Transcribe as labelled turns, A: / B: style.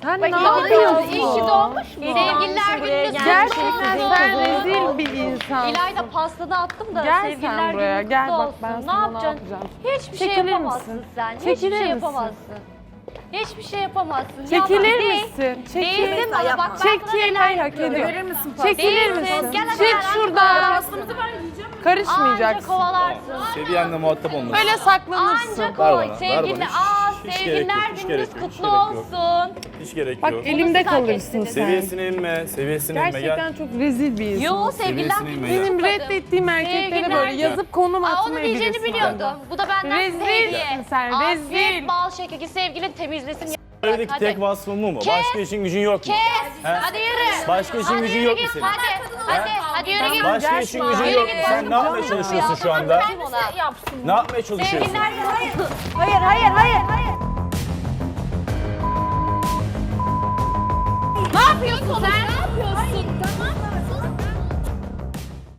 A: Sen
B: Bak,
A: ne
B: yapıyorsun?
A: İyi ki doğmuş mu?
B: Sevgililer gününde
A: Gerçekten sen rezil bir insansın.
B: İlayda pastada attım da
A: Gel
B: sevgililer
A: sen buraya.
B: günü
A: Gel
B: kutlu
A: bak
B: olsun.
A: ben
B: Ne
A: sana ne
B: yapacaksın?
A: yapacağım.
B: Hiçbir şey
A: Çekilir
B: yapamazsın
A: misin?
B: sen.
A: Çekilir
B: Hiçbir şey
A: misin?
B: yapamazsın. Hiçbir şey yapamazsın.
A: Çekilir
B: Yalan.
A: misin?
B: Değilsin bana bak ben sana
A: Çekilmeyi
B: neler
A: hak
B: yapıyorum.
A: ediyor.
C: Verir misin
A: Çekilir
B: Değilsin.
A: misin?
B: Gel hadi
A: Çık
B: beraber
A: şuradan.
C: Pastımızı ver yiyeceğim.
B: Anca
A: Karışmayacaksın.
B: kovalarsın.
D: Seviyenle muhatap olmasın.
A: Böyle saklanırsın.
B: Anca
D: Ver
B: koy.
D: bana, ver
B: Sevgili,
D: bana. Hiç
B: sevgililer
D: gerek yok, hiç
B: gününüz
D: gerek yok, hiç
B: kutlu
D: gerek yok.
B: olsun.
D: Hiç gerek
A: Bak
D: yok.
A: elimde
B: siz hak
A: kalırsın
B: ettiniz.
A: sen.
D: Seviyesine inme, seviyesine inme.
A: Gerçekten
D: Gel.
A: çok rezil bir insan.
B: Yo sevgililer
D: Seviyesine
B: gününüz
D: inme
A: Benim
B: kutladım.
A: reddettiğim erkeklere
B: Sevgililer
A: böyle
B: günü.
A: yazıp konum
B: Onu
A: atmayı
B: diyeceğini
A: bilirsin.
B: biliyordum. Bu da benden
A: Rezilsin
B: size hediye.
A: sen,
B: Afiyet
A: rezil.
B: bal şekeri sevgilin temizlesin.
D: Evdeki
B: Hadi.
D: tek vasfın bu mu?
B: Kes.
D: Başka işin gücün yok mu?
B: Kes.
D: He?
B: Hadi yürü.
D: Başka işin
B: Hadi
D: gücün
B: yürü
D: yok mu
B: git,
D: senin?
B: Hadi yürü git.
D: Başka işin gücün
B: Yürü
D: yok mu?
B: git.
D: Sen ne yapmaya çalışıyorsun şu anda? Ne yapmaya çalışıyorsun?
B: Sevgililer günü.
C: Hayır.
B: Ne yapıyorsun sen?